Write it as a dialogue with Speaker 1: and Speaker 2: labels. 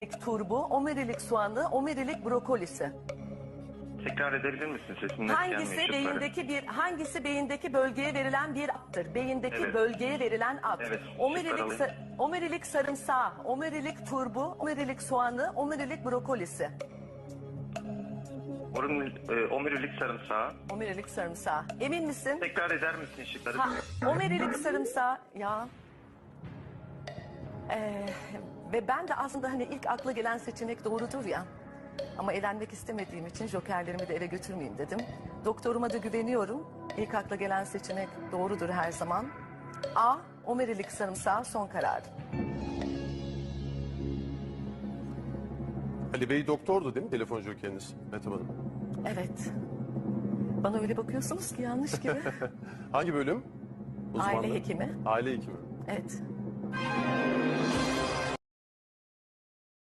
Speaker 1: turbu, omerilik soğanı, omerilik brokolisi.
Speaker 2: Tekrar edebilir misin? Sesim net gelmiyor.
Speaker 1: Hangisi beyindeki bölgeye verilen bir attır? Beyindeki
Speaker 2: Evet.
Speaker 1: bölgeye verilen at.
Speaker 2: Evet,
Speaker 1: Omerilik,
Speaker 2: şıkları alayım.
Speaker 1: omerilik sarımsağı, omerilik turbu, omerilik soğanı, omerilik brokolisi.
Speaker 2: Omurilik sarımsağı.
Speaker 1: Omerilik sarımsağı. Emin misin?
Speaker 2: Tekrar eder misin şıkları?
Speaker 1: Omerilik sarımsağı ya. Ve ben de aslında hani ilk akla gelen seçenek doğrudur ya. Ama elenmek istemediğim için jokerlerimi de ele götürmeyeyim dedim. Doktoruma da güveniyorum. İlk akla gelen seçenek doğrudur her zaman. A. Omerilik sarımsağı son karar.
Speaker 3: Ali Bey doktordu değil mi telefon jokeriniz Mehtap Hanım?
Speaker 1: Evet. Bana öyle bakıyorsunuz ki yanlış gibi.
Speaker 3: Hangi bölüm?
Speaker 1: Aile hekimi.
Speaker 3: Aile hekimi.
Speaker 1: Evet.